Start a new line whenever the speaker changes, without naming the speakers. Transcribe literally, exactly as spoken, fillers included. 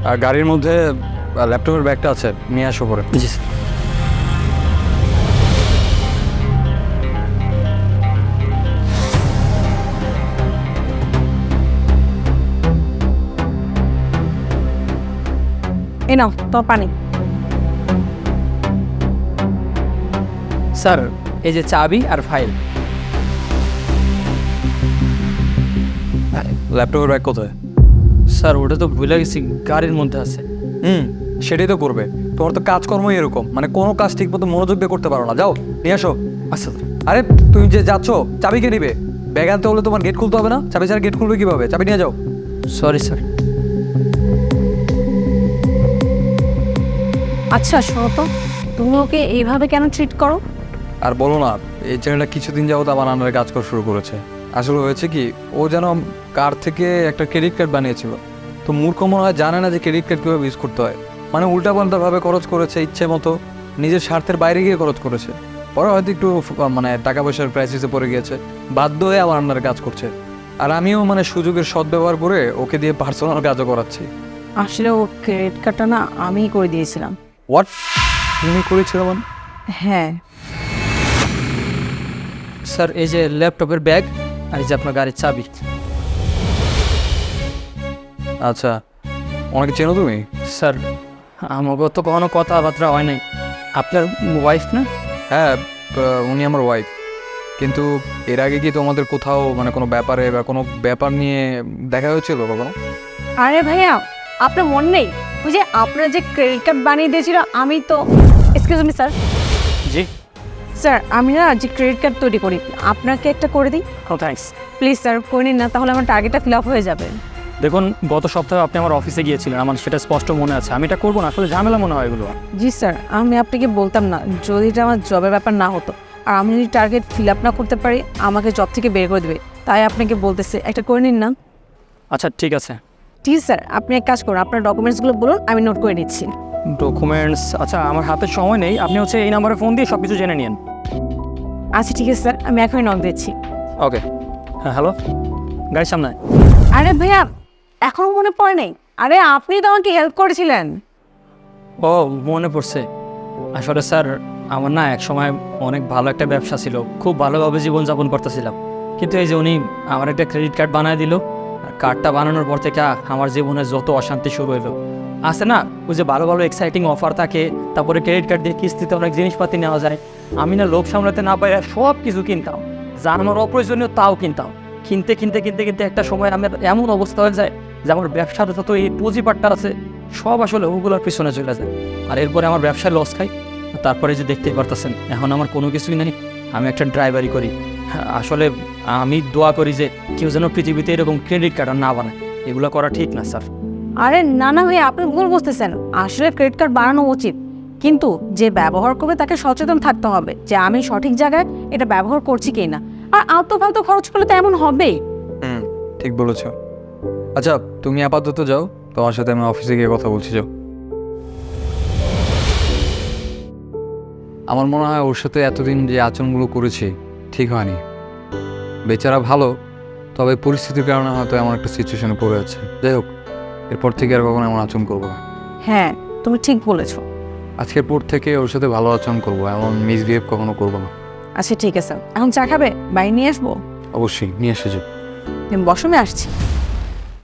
আর গাড়ির মধ্যে ল্যাপটপের ব্যাগটা আছে, নিয়ে আসো পরে।
জি স্যার।
এই নাও তোমার পানি।
স্যার এই যে চাবি আর ফাইল।
ল্যাপটপের ব্যাগ কোথায়?
স্যার ওটা তো ভুলে গেছি, গাড়ির মধ্যে আছে।
হুম, সেটাই তো করবে। তোমার তো কাজকর্মই এরকম, মানে কোনো কাজ ঠিক মতো মনোযোগ দিয়ে করতে পারো না। যাও নিয়ে আসো।
আচ্ছা স্যার।
আরে তুমি যে যাচ্ছ, চাবি কে নিবে? ব্যাগ আনতে হলে তোমার গেট খুলতে হবে না? চাবি ছাড়া গেট খুলবে কীভাবে? চাবি নিয়ে যাও।
Sorry sir.
আচ্ছা শোনো তো, তুমি ওকে এইভাবে কেন ট্রিট করো?
আর বলো না, এই চ্যানেলটা কিছুদিন যাবত আমার আন্ডারে কাজ করা শুরু করেছে। আসলে হয়েছে কি, ও যেন কার থেকে একটা ক্রেডিট কার্ড বানিয়েছিল। তো মূর্খ মনে হয় জানে না যে ক্রেডিট কার্ড কীভাবে ইউজ করতে হয়। মানে উল্টাপাল্টাভাবে খরচ করেছে, ইচ্ছে মতো নিজের স্বার্থের বাইরে গিয়ে খরচ করেছে। পরে হয়তো একটু মানে টাকা পয়সার ক্রাইসিসে পড়ে গিয়েছে, বাধ্য হয়ে আমার আন্ডারে কাজ করছে। আর আমিও মানে সুযোগের সদ্ব্যবহার করে ওকে দিয়ে পার্সোনাল কাজও করাচ্ছি।
আসলে ও ক্রেডিট কার্ডটা না আমিই করে দিয়েছিলাম।
হোয়াট? তুমি করেছিল মানে?
হ্যাঁ।
স্যার এই যে ল্যাপটপের ব্যাগ আর এই যে আপনার গাড়ির চাবি।
আচ্ছা, অনেকে চেনো তুমি?
স্যার আমাকে তো কখনো কথাবার্তা হয় নাই। আপনার ওয়াইফ না?
হ্যাঁ, উনি আমার ওয়াইফ। কিন্তু এর আগে কি তোমাদের কোথাও মানে কোনো ব্যাপারে বা কোনো ব্যাপার নিয়ে দেখা হয়েছিল কখনো?
আরে ভাইয়া, আপনার মন নেই? ওই যে আপনার যে ক্রেডিট কার্ড বানিয়ে দিয়েছিল, আমি তো এক্সকিউজ মি স্যার।
জি।
স্যার আমি না যে ক্রেডিট কার্ড তৈরি করি, আপনাকে একটা করে দিই?
ও থ্যাঙ্কস।
প্লিজ স্যার করে নিন না, তাহলে আমার টার্গেটটা ফিল আপ হয়ে যাবে।
দেখুন গত সপ্তাহে আপনি আমার অফিসে গিয়েছিলেন, আমার সেটা স্পষ্ট মনে আছে। আমি এটা করবো না, আসলে ঝামেলা মনে হয় এগুলো।
জি স্যার, আমি আপনাকে বলতাম না যদি এটা আমার জবের ব্যাপার না হতো, আর আমি যদি টার্গেট ফিল আপ না করতে পারি আমাকে জব থেকে বের করে দেবে। তাই আপনাকে বলতেছে একটা করে নিন না।
আচ্ছা ঠিক আছে।
ঠিক স্যার, আপনি এক কাজ করুন, আপনার ডকুমেন্টসগুলো বলুন, আমি নোট করে নিচ্ছি।
ডকুমেন্টস? আচ্ছা আমার হাতে সময় নেই, আপনি হচ্ছে এই নাম্বারে ফোন দিয়ে সব কিছু জেনে নিন।
আচ্ছা ঠিক আছে স্যার, আমি এখনই নক দিচ্ছি।
ওকে। হ্যাঁ হ্যালো, গাড়ির সামনে।
আরে ভাইয়া, এখনো মনে পড়ে নেই? আরে আপনি তো আমাকে হেল্প করেছিলেন।
ও মনে পড়ছে। আসলে স্যার আমার না এক সময় অনেক ভালো একটা ব্যবসা ছিল, খুব ভালোভাবে জীবনযাপন করতেছিলাম। কিন্তু এই যে উনি আমার একটা ক্রেডিট কার্ড বানিয়ে দিল, আর কার্ডটা বানানোর পর থেকে আমার জীবনে যত অশান্তি শুরু হলো। আছে না ওই যে ভালো ভালো এক্সাইটিং অফার থাকে, তারপরে ক্রেডিট কার্ড দিয়ে কিস্তিতে অনেক জিনিসপাতি নেওয়া যায়। আমি না লোভ সামলাতে না পাই সব কিছু কিনতাম, যা আমার অপ্রয়োজনীয় তাও কিনতাম। কিনতে কিনতে কিনতে কিনতে একটা সময় আমার এমন অবস্থা হয়ে যায় যে আমার ব্যবসার যত এই পুঁজিপাটটা আছে সব আসলে ওগুলোর পিছনে চলে যায়। আর এরপরে আমার ব্যবসায় লস খাই। তারপরে যে দেখতেই পারতেছেন এখন আমার কোনো কিছুই নেই, আমি একটা ড্রাইভারি করি। আসলে আমি দোয়া করি যে কেউ যেন পৃথিবীতে এরকম ক্রেডিট কার্ড না বানায়, এগুলো করা ঠিক না স্যার।
আরে না না ভাইয়া, আপনি ভুল বুঝতেছেন। আসলে ক্রেডিট কার্ড বানানো উচিত, কিন্তু যে ব্যবহার করবে তাকে সচেতন থাকতে হবে যে আমি সঠিক জায়গায় এটা ব্যবহার করছি কি না। আর আলতু ফালতু খরচ করলে তো এমন হবেই।
হুম, ঠিক বলেছ। আচ্ছা তুমি আপাতত যাও, তোমার সাথে আমি অফিসে গিয়ে কথা বলছি। যাও। আমার মনে হয় ওর সাথে এতদিন যে আচরণগুলো করেছি ঠিক হয়নি। বেচারা ভালো, তবে পরিস্থিতির কারণে হয়তো এমন একটা সিচুয়েশনে পড়ে আছে। যাই হোক, এরপর থেকে আর কখনো এমন আচরণ করবো না।
হ্যাঁ তুমি ঠিক বলেছো।
আজকের পর থেকে ওর সাথে ভালো আচরণ করবো, এমন মিসবিহেভ কখনো করবো না।
আচ্ছা ঠিক আছে, এখন চা খাবে? বাইরে নিয়ে আসবো?
অবশ্যই নিয়ে এসে যাও।
তুমি বসো, আমি আসছি।